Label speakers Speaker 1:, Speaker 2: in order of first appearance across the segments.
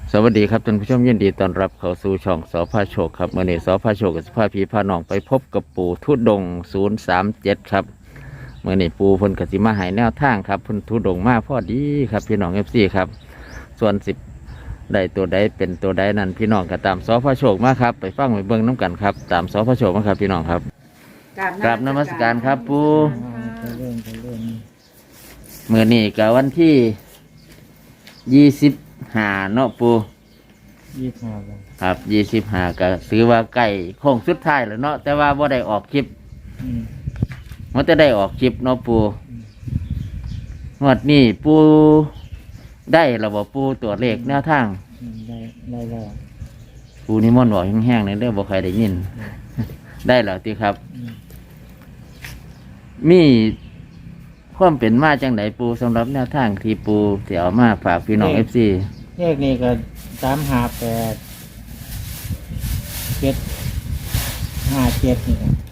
Speaker 1: สวัสดีครับท่านผู้ชมยินดีต้อนรับเข้าสู่ช่องสพาโชคครับเมื่อนี้สพาโชคกับสภาพีพาน้องไปพบกับปู่ทุดงค์037ครับเมื่อนี้ปู่เพิ่นกสิมาใหายแนวทางครับเพิ่นทุดงค์มาพอดีครับพี่น้องFCครับส่วนสิบได้ตัวใดเป็นตัวใดนั้นพี่น้องก็ตามสพาโชคมาครับไปฟังไปเบิ่งน้ำกันครับตามสพาโชคมาครับพี่น้องครับกราบนมัสการครับปู่เมื่อนี้กับวันที่25เนาะปู่
Speaker 2: 25
Speaker 1: ครับ25ก็ถือว่าใกล้โค้งสุดท้ายแล้วเนาะแต่ว่าบ่ได้ออกคลิปมันจะได้ออกคลิปเนาะปูงวดนี้ปูได้ระบบปูตัวเลขแนวทาง
Speaker 2: ได้แล้ว
Speaker 1: ปูนิมนต์บอกแห้งๆในเรื่องบ่ใครได้ยินได้แล้วติครับมีความเป็นมาจังไหนปูสำหรับแนวทางที่ปูเสี่ยวมาฝากพี่น้อง FC
Speaker 2: เลขนี้ก็358 757นี่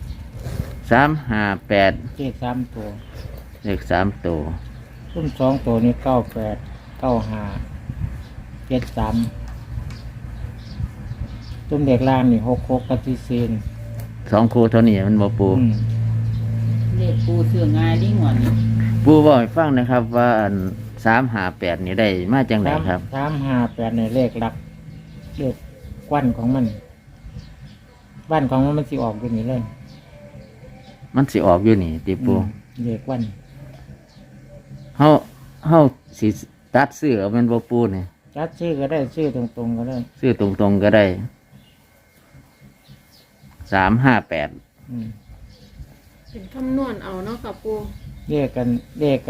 Speaker 1: 358
Speaker 2: เลข3ตัว
Speaker 1: เลข3ตัว
Speaker 2: ซุ้ม2ตัวนี่98 95 73ซุ้มเด็กล่างนี่66กับ44
Speaker 1: 2คู่เท่านี้มันบ่ปู
Speaker 3: เลขปูเสื่อง่ายดิ้งหวนนี่
Speaker 1: ปูบอกให้ฟังนะครับว่า358นี่ได้มาจังไหนครับ
Speaker 2: 358ในเลขหลักเลขกวันของมันบ้านของมันสิออกอยู่นี่เลย
Speaker 1: มันสิออกอยู่นี่ติปู
Speaker 2: เลขวัน
Speaker 1: เฮาสิตัดซื้อเอาแม่นบ่ปูนี่
Speaker 2: จัดชื่อก็ได้ชื่อตรงๆก็ได้
Speaker 1: ซื้อตรงๆก็ได้358
Speaker 3: เป็นคำนวณเอาเนาะกับปู
Speaker 2: เลขกันเลข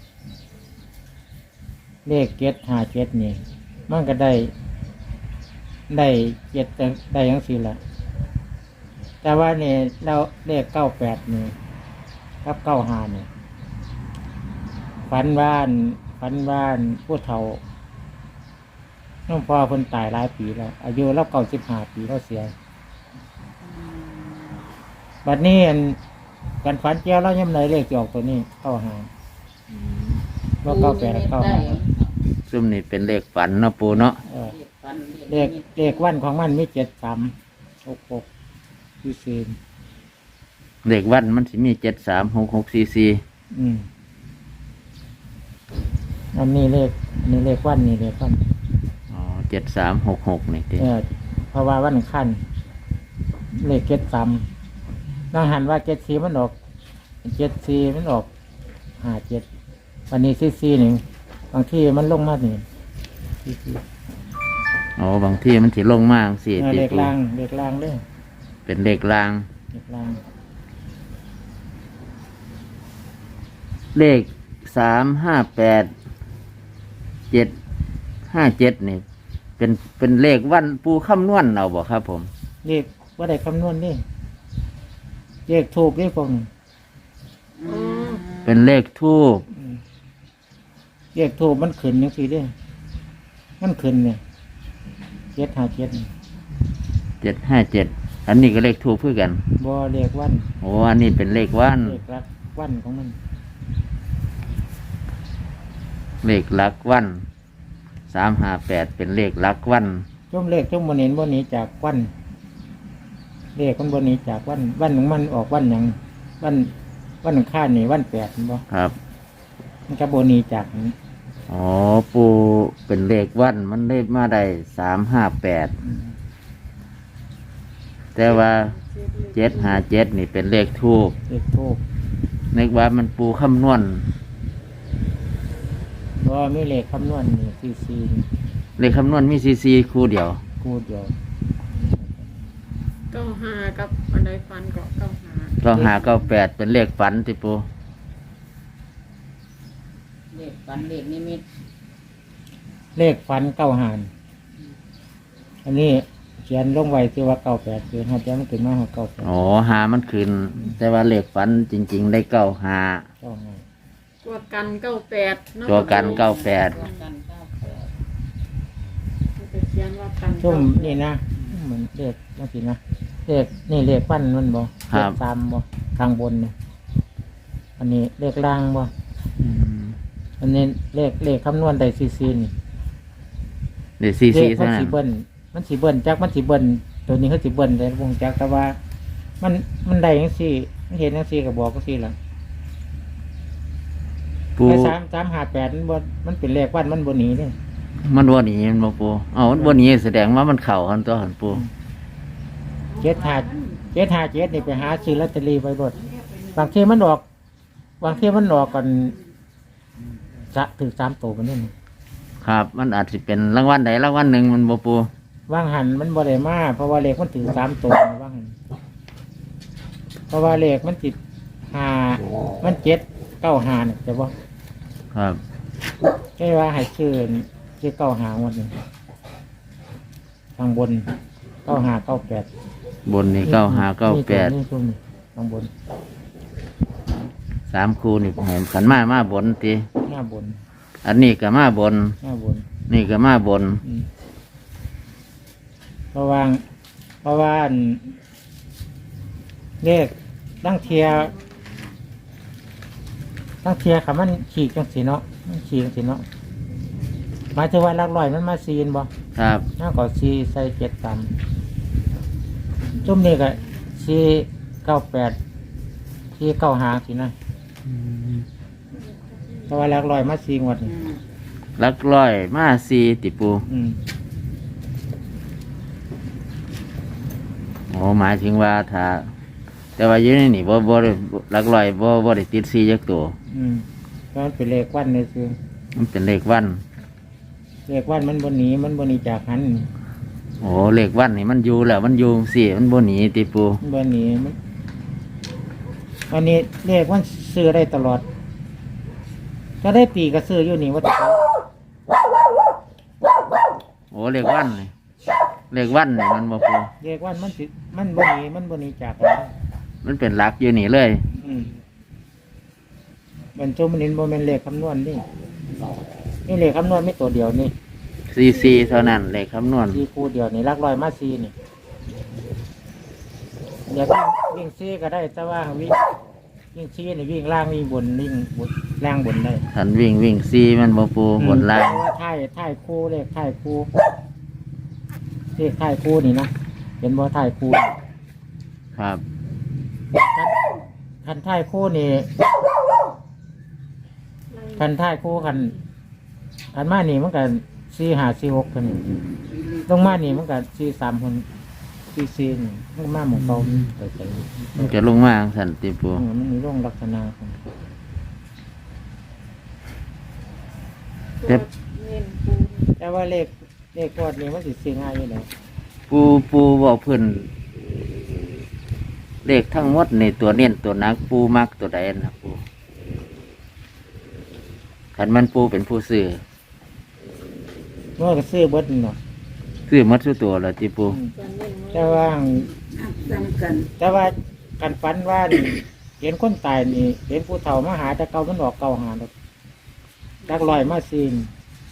Speaker 2: 757นี่มันก็ได้7ได้จังซี่ล่ะแต่ว่านี่เราเลข98นี่กับ95นี่ฝันบ้านผู้เฒ่าน้องพ่อเพิ่นตายหลายปีแล้วอายุเรา95ปีเราเสียบัดนี้กันฝันเจ้าเราย่ำไหนเลขจะออกตัวนี้95ว่า9895
Speaker 1: ซึ่งนี่เป็นเลขฝันเนาะปูเนาะ
Speaker 2: เลขวันของมันมี7366คือซีน
Speaker 1: เลขวันมันสิมี736644
Speaker 2: อันนี้เลขวันนี่เลขวัน
Speaker 1: อ๋อ7366นี่ติ
Speaker 2: เพราะว่าวันขั้นเลข73น้องหันว่า74มันออก74มันออก57วันนี้44นี่บางที่มันลงมานี่
Speaker 1: อ๋อบางที่มันสิลงมาจังซี่
Speaker 2: ติเลขล่างเด้อ
Speaker 1: เป็นเลขล่างเลข358 757นี่เป็นเลขวันปูคำนวณเอาบ่ครับผม
Speaker 2: เลขว่าได้คำนวณนี่เลขถูกนี่ผม
Speaker 1: เป็นเลขทูป
Speaker 2: เลขถูกมันขึ้นจังซี่เด้อมันขึ้นเนี่ย
Speaker 1: 757อันนี้ก็เลขทูปเพื่อกัน
Speaker 2: บ่เลขวัน
Speaker 1: โอ้อันนี้เป็นเลขวัน
Speaker 2: เลขหลักวันของมัน
Speaker 1: เลขหลักวัน358เป็นเลขหลักวัน
Speaker 2: ช่วงเลขช่วงบนเห็นบนนี้จากวันเลขคนบนนี้จากวันของมันออกวันอย่างวันข้านี่วัน8บ่
Speaker 1: ครับ
Speaker 2: มันก็บนนี้จากนี้
Speaker 1: อ๋อปูเป็นเลขวันมันเลขมาได้358แต่ว่า757นี่เป็นเลขทูปนึกว่ามันปูคำนวณ
Speaker 2: บ่มีเลขคำนวณนี่ซี
Speaker 1: เลขคำนวณมีซีคู่เดียว
Speaker 3: 95กับอันใดฟันก็
Speaker 1: 9598เป็นเลขฝันติปู
Speaker 3: เลขฟันเลขนิมิต
Speaker 2: เลขฝัน95อันนี้เขียนลงไว้ที่ว่า98คือหาจะมันขึ้นมา98
Speaker 1: อ๋อหามันขึ้นแต่ว่าเลขฝันจริงๆได้95
Speaker 3: ตัวกัน98
Speaker 1: ตัวกัน98
Speaker 2: ช่วงนี่นะเหมือนเลขจังซี่นะเลขนี่เลขวันมันบ่เลข3บ่ข้างบนเนี่ยอันนี้เลขล่างบ่อันนี้เลขคำนวณได้ซีนี่
Speaker 1: เดี๋ยวซี
Speaker 2: เล
Speaker 1: ซี
Speaker 2: ขมั
Speaker 1: เท่าน นั้
Speaker 2: สิ
Speaker 1: น
Speaker 2: เบิ้ลมันสิเบิ้ลจักมันสิเบิ้ลตัวนี้เขาสิเบิ้ลแต่วงจักแต่ว่ามันได้จังซี่มันเห็นจังซี่ก็บอกจังซี่ล่ะ
Speaker 1: ปู
Speaker 2: ไอ้358มันเป็นเลขวันมันบ่หนีเด้
Speaker 1: มันบ่หนีมันบ่ปูเอามันบ่หนีแสดงว่ามันเข้ากันตัวหันปู
Speaker 2: 757นี่ไปหาซื้อลอตเตอรี่ไว้รถบางทีมันออกกันถึง3ตัวมันนี่
Speaker 1: ครับ มันอาจสิเป็นรางวัลใดรางวัลหนึ่งมันบ่ปู
Speaker 2: ว่างหันมันบ่ได้มาเพราะว่าเลขมันถึง3ตัวนะว่างหันเพราะว่าเลขมันติด5มัน795เนี่ยแต่ว่า
Speaker 1: ครับ
Speaker 2: แค่ว่าให้ชื่อ95หมดนี่ทางบน9598
Speaker 1: บนนี่9598
Speaker 2: นี่ตรงนี้ทางบน
Speaker 1: 3คู่นี่ให้ขันมาบนติ
Speaker 2: หน้าบน
Speaker 1: อันนี้ก็มาบน
Speaker 2: หน้าบน
Speaker 1: นี่ก็มาบน
Speaker 2: เพราะว่าอันเลขตั้งเทียค่ะมันขีดจังสีเนาะมันขีดจังสีเนาะหมายถึงว่าหลักร้อยมันมาซีนบ่
Speaker 1: ครับ
Speaker 2: น่าก็ซีใส่7ตันจุ่มนี่ก็ซี98ซี95สินะเพราะว่าหลักร้อยมาซีงวดนี่
Speaker 1: หลักร้อยมา4ติปู
Speaker 2: อืม
Speaker 1: โอ้หมายถึงว่าถ้าแต่ว่าอยู่ในนี่บ่ได้หลักร้อยบ่ได้ติด4จักตัว
Speaker 2: ก็มันเป็นเลขวันเลยคือ
Speaker 1: มันเป็นเลขวัน
Speaker 2: เลขวันมันบนหนีจากหัน
Speaker 1: โอ้เลขวันนี่มันอยู่แล้วมันอยู่สิมันบ่หนีติปู
Speaker 2: มันบนหนีมันวันนี้เลขวันซื้อได้ตลอดก็ได้ปีก็ซื้ออยู่นี่ว่า
Speaker 1: โอ้เลขวันนี่เลขวันนี่มันบ่ปู
Speaker 2: เลขวันมันบนหนีจากหัน
Speaker 1: มันเป็นหลักอยู่นี่เลย
Speaker 2: มันโจมันนินโมเมนเลขคำนวณนี่เลขคำนวณไม่ตัวเดียวนี่
Speaker 1: 44เท่านั้นเลขคำนวณ
Speaker 2: ซีคูเดียวนี่ลักลอยมาซีนี่อยากวิ่งซีก็ได้แต่ว่าวิ่งซีนี่วิ่งล่างวิ่งบนล่างบนได้
Speaker 1: คันวิ่ง4มันบ่ปูบนล่าง
Speaker 2: เพราะว่าท้ายคู่เลขท้ายคู่เลขท้ายคู่นี่นะเห็นบ่ท้ายคู่
Speaker 1: ครับ
Speaker 2: คันท้ายคู่นี่คันท้ายคู่คันมานี่มันกัน4546คนตรงมานี่มันกัน43คน44นี่มันมาหมู่เก่าไป
Speaker 1: มันจะลงมาจั่งซั่นติปู
Speaker 2: มันมีร่องลักษณะของ
Speaker 1: แต่
Speaker 2: แต่ว่าเลขกอดนี่มันสิซื้อง่ายอยู่แล้ว
Speaker 1: ปูบอกเพิ่นเลขทั้งหมดในตัวเน้นตัวนักปูมักตัวใดนะปูคันมันปูเป็นผู้ซื้อ
Speaker 2: เมื่อก็ซื้อเบิดเนาะ
Speaker 1: ซื้อหมดทุกตัวแล้วติปู
Speaker 2: แต่ว่า
Speaker 3: จำกัน
Speaker 2: การฝันว่านี่เห็นคนตายนี่เห็นผู้เฒ่ามาหาแต่เก่ามันออกเก่าหาดอกดักลอยมาซีน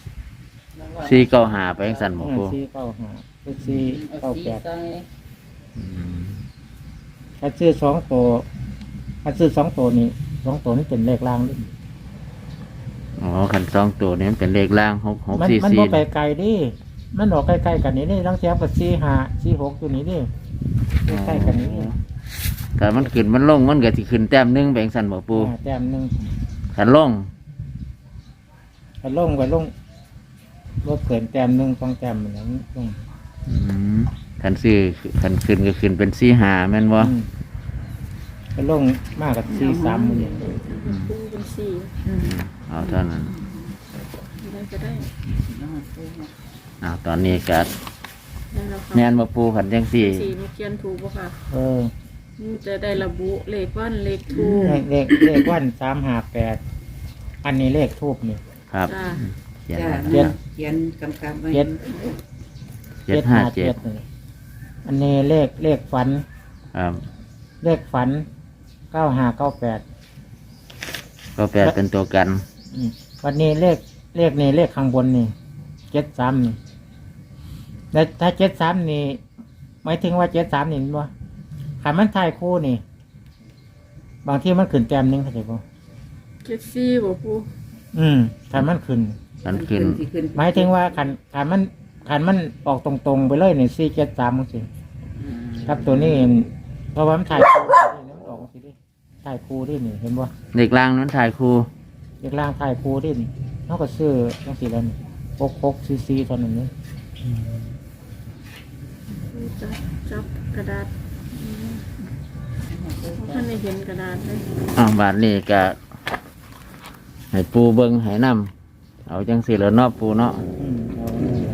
Speaker 1: 495ไปจังซั่นบ่ปู
Speaker 2: 495คือ498
Speaker 1: อืม
Speaker 2: ถ้าซื้อ2ตัวนี่2ตัวนี่เป็นเลขล่างดิ
Speaker 1: อ๋อคัน2ตัวนี้มันเป็นเลขล่าง
Speaker 2: มันบ่ไป
Speaker 1: 6644
Speaker 2: ไกลดิมันออกใกล้ๆกันนี่ลังเทียบกับ45 46อยู่นี่ดิใกล้ๆกันนี่
Speaker 1: ถ้ามันขึ้นมันลงมันก็สิขึ้นแต้มหนึงไปจังซั่นบ่ปู
Speaker 2: แต้มหนึง
Speaker 1: คันลง
Speaker 2: ไปลงรถเกินแต้มหนึง2แต้มเหมือนนั้นลง
Speaker 1: อืมคันขึ้นก็ขึ้นเป็น45แม่นบ่
Speaker 2: ไปลงมากกับ43มื้อนี้
Speaker 1: อืม
Speaker 3: ปูเป็นสี่
Speaker 1: เอาเท่านั้น
Speaker 3: ได้ก็ได้
Speaker 1: ตอนนี้ก็
Speaker 3: ได้แล้วค่ะ
Speaker 1: แม่นบ่ปูคันจังซี่
Speaker 3: สี่นี่เขียนถูกป่ะค่ะ
Speaker 2: เออ
Speaker 3: นี่จะได้ระบุเลขวันเลขทูป
Speaker 2: เลขวัน358อันนี้เลขทูบนี่
Speaker 1: ครับ
Speaker 3: จ้า
Speaker 1: เขียน
Speaker 2: เจ็ด
Speaker 4: เขียนกำกับไว้
Speaker 2: เจ็ด
Speaker 1: 757
Speaker 2: นี่อันนี้เลขฝัน
Speaker 1: ครับ
Speaker 2: เลขฝัน9598
Speaker 1: ก็แปลเป็นตัวกัน
Speaker 2: วันนี้เลขนี่เลขข้างบนนี่73นี่แล้วถ้า73นี่หมายถึงว่า73นี่มันบ่คันมันถ่ายคู่นี่ บางที่มันขึ้นแต้มหนึงเข้าใจบ่
Speaker 3: เจ็ดสี่บ่ปู
Speaker 2: คันมันขึ้น
Speaker 1: มันขึ้น
Speaker 4: สิขึ้น
Speaker 2: หมายถึงว่าคันขันมันออกตรงๆไปเลยเนี่ย4 7 3จังซี่ครับตัวนี้เพราะว่ามันถ่ายคู่นี่มันออกสิดิถ่ายคู่ดินี่เห็นบ่
Speaker 1: เด็กล่างนั้นถ่ายครู
Speaker 2: เด็กล่างถ่ายคู่ดินี่เฮาก็ซื้อจังซี่แล้วนี่6 cc เท่านั้นนี่
Speaker 4: จับกระดาษท่านได้เห็นกระดาษเลย
Speaker 1: บาทนี้ก็ให้ปูเบิงให้นำเอาจังสิแล้วเนาะปูเนาะ
Speaker 2: เอานี่แหละ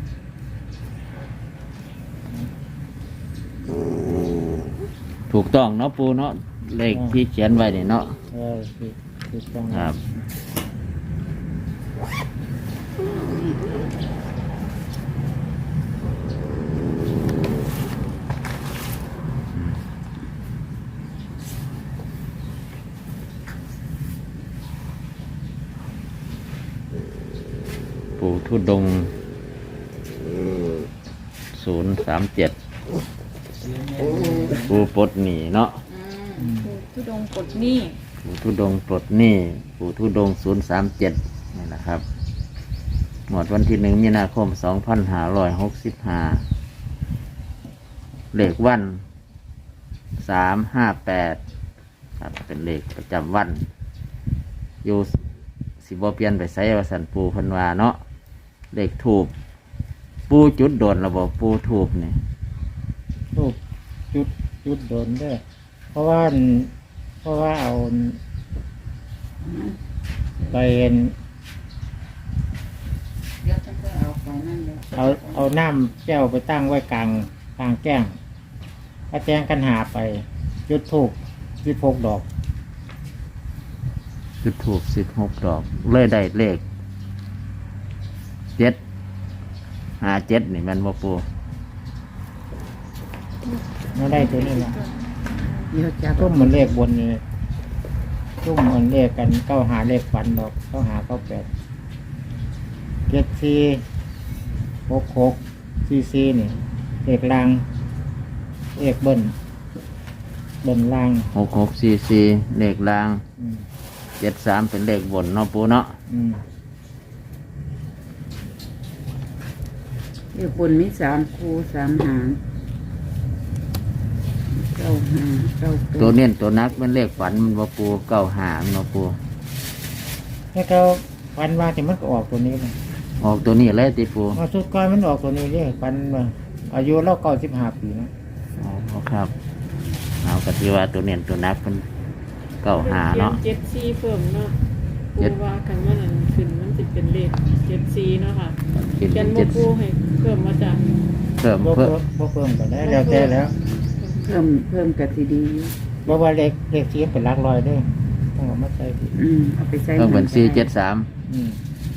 Speaker 1: ถูกต้องเนาะปูเนาะเลขที่เขียนไว้นี่เนาะ
Speaker 2: คือจัง
Speaker 1: ครับปูทุดง037ปูปลดหนีเนาะ
Speaker 4: ทุดงกดหนี่
Speaker 1: ปูทุดงปลดหนี้ปูทุดง037นี่นะครับหมดวันที่ 1 มีนาคม 2565เลขวัน358ครับเป็นเลขประจำวันอยู่สิบ่เปลี่ยนไปไสว่าสันปูเพันวาเนาะเลขถูกปูจุดโดนระบบปูถูกนี่
Speaker 2: รูปจุดโดนเด้อเพราะว่าเอาไป
Speaker 3: เดี๋ยวจะเอาไปนั่นเลย
Speaker 2: เอาน้ำแก้วไปตั้งไว้กลางแก้งถ้าแจ้งกันหาไปจุดทูบ16 ดอก
Speaker 1: จุดถูก16 ดอกเลยได้เลข757นี่แมันบ่ปู
Speaker 2: ไม่ได้ตัวนี้ละ
Speaker 3: เดี๋ยวจับ
Speaker 2: ตุ้มเหมือนเลขบนนี่ตุ้มเหมือนเลขกัน9 หาเลขฝันดอก9 หา 9 8 7 4 6 6 4 4นี่เลขล่างเลขเบิ้ลล่าง
Speaker 1: 6644เลขล่าง
Speaker 2: อืม
Speaker 1: 73เป็นเลขบนเนาะปูเนาะ
Speaker 2: อืม
Speaker 3: เดี๋ยวบนมี3 คู่ 3 หาง9 หาง9
Speaker 1: ตัวเน้นตัวนักเป็นเลขฝันมันบ่ปู95มันบ่ปู
Speaker 2: แล้วก็ฟันว่าที่มันก็ออกตัวนี้เลย
Speaker 1: ออกตัวนี้เลยติปู
Speaker 2: มาสุดก้อยมันออกตัวนี้เลยฟันว่าอายุเรา95 ปีนะ
Speaker 1: อ๋อครับเอากติว่าตัวเน้นตัวนักเป็น95เนาะ
Speaker 4: เจ็ดซีเพิ่มเนาะ
Speaker 1: เจ็
Speaker 4: ปู
Speaker 1: ด
Speaker 4: ว่ากันว่านั่นขึ้นมันจะเป็นเลข7 4เนาะค่ะ
Speaker 1: เป็น
Speaker 4: เขียนบ่ปูให้เพิ่มมาจาก
Speaker 1: เพิ่ม
Speaker 2: บ่
Speaker 1: เพิ่ม
Speaker 2: เพิ่มก็ได้แล้วแต่แล้ว
Speaker 3: เพิ่มกะสิดีอยู่
Speaker 2: บ่ว่าเลขสีเป็นหลักร้อยเด้อต้องเอามาใส่ผิด
Speaker 3: เอาไปใส่
Speaker 1: เพิ่มเป็น
Speaker 3: ก็ได้
Speaker 1: 473
Speaker 2: อืม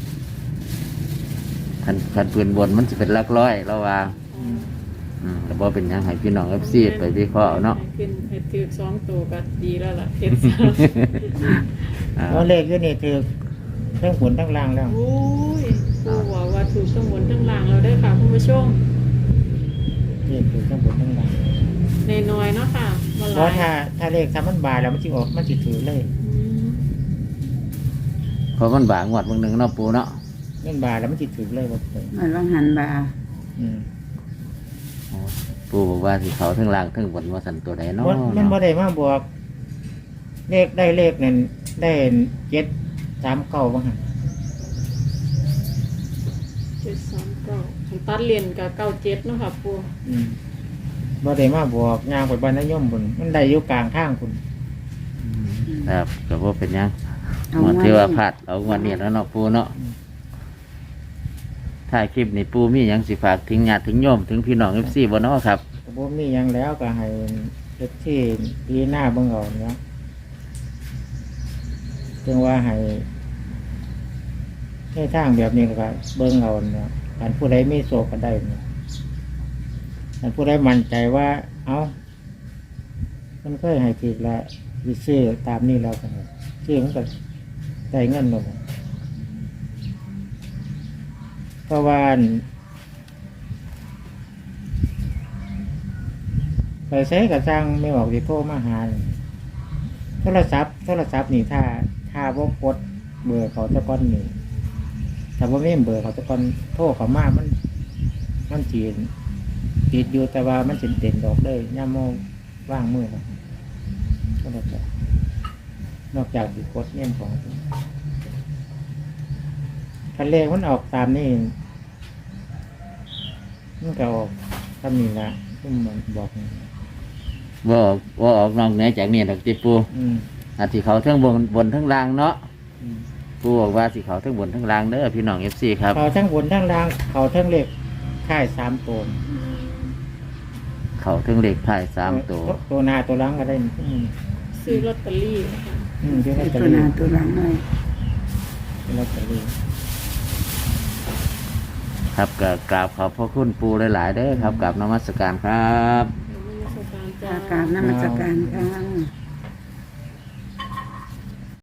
Speaker 1: คันปืนบนมันจะเป็นหลักร้อยแล้วว่าแล้วบ่เป็นหยังให้พี่น้อง FC ไปวิเคราะห์เอาเนาะ
Speaker 4: ให้ขึ้นให้ถือ2ตัวก็ดีแล้วล่ะเฮ็ด
Speaker 1: อ่า
Speaker 2: แล้วเลขอยู่นี่ถือทั้งบนทั้งล่างแล้ว
Speaker 4: โอ้ยปูว่าว่าถูกทั้งบนทั้งล่างแล้วได้อค่ะคุณผู้ชม
Speaker 2: เลขถือทั้งบนทั้งล่าง
Speaker 4: ในน้อยๆเนาะค่ะบ่ห
Speaker 2: เพ
Speaker 4: ลา
Speaker 2: ราะ
Speaker 4: ย
Speaker 2: ถ้าเลขทำมันบายแล้วมันสิออกมันสิถือเลย
Speaker 4: อืม
Speaker 1: เพราะมันบางงวดเบางหนึงเนาะปูเนาะ
Speaker 2: มันบายแล้วมันสิถือเลยบ่เปิด
Speaker 3: มันว่างหันบา
Speaker 2: อืม
Speaker 1: ปูบอกว่าสิเขาทั้งล่างทั้งบนว่าสันตัวใดเนาะ
Speaker 2: มันบ่ได้มาบวก เลขได้เลขนั่นได้739บ่หั่น
Speaker 4: 739ผมตัดเรียนกับ97เนาะค่ะปู
Speaker 2: อืมบ่ได้มาบวกย่างไปบ้านนายมพุ่นมันได้อยู่กลางทางพุ่น
Speaker 1: ครับก็บ่เป็นหยัง
Speaker 3: เอา
Speaker 1: งวด
Speaker 3: ไว้
Speaker 1: ที่ว่าพลาดเอางวดนี้แล้วเนาะปูเนาะถ้าคลิปนี้ปูมีหยังสิฝากถึงญาติถึงโยมถึงพี่น้อง FC บ่เนาะครับ
Speaker 2: ก็บ่มีหยังแล้วก็ให้เฮ็ดที่ปีหน้าเบิ่งเอาเนาะจึงว่าให้ทางแบบนี้ก็เบิ่งเอาเนาะอันผู้ใดมีโศกก็ได้เนาะอันผู้ใดมั่นใจว่าเอามันเคยให้ถูกแล้วสิซื้อตามนี้แล้วกันซื้อมันก็ได้เงินหมดเพราะว่าไปใช้กับจ้างไม่ออกสิโทรมาหาโทรศัพท์นี่ถ้าบ่กดเบอร์เขาตะก้อนนี่ถ้าบ่มีเบอร์เขาตะก้อนโทรเขามามันมันจีนติดอยู่แต่ว่ามันสิเด่นดอกเลยย่ามโมว่างมือนะก็แล้วแต่นอกจากสิกดเนี่ยของคันเลขมันออกตามนี่มันก็ออกตามนี้ละที่มันบอกนี่
Speaker 1: ว่าออกนอกเหนือจากนี้ดอกติปู
Speaker 2: อืม
Speaker 1: อาทิเขาทั้งบนทั้งล่างเนาะ
Speaker 2: อืม
Speaker 1: ปูบอกว่าสิเขาทั้งบนทั้งล่างเด้อพี่น้องเอฟซีครับ
Speaker 2: เขาทั้งบนทั้งล่างเขาทั้งเลขค่าย3ตัว
Speaker 1: เขาทั้งเหล็กถ่าย3ตัว
Speaker 2: ตัวหน้าตัวหลังก็ได้
Speaker 4: ซื้อลอตเตอรี่นะคะ
Speaker 2: เดี๋ยวลอตเตอ
Speaker 3: ตัวห
Speaker 2: รี่
Speaker 3: น้าตัวหลังเลย
Speaker 2: ลอตเตอรี่
Speaker 1: ครับก็กราบขอบพระคุณปูหลายๆเด้อครับกับนมัสการครับ
Speaker 4: นมัสการ
Speaker 3: อากา
Speaker 4: จ้า
Speaker 3: ศนมัสการค่ะ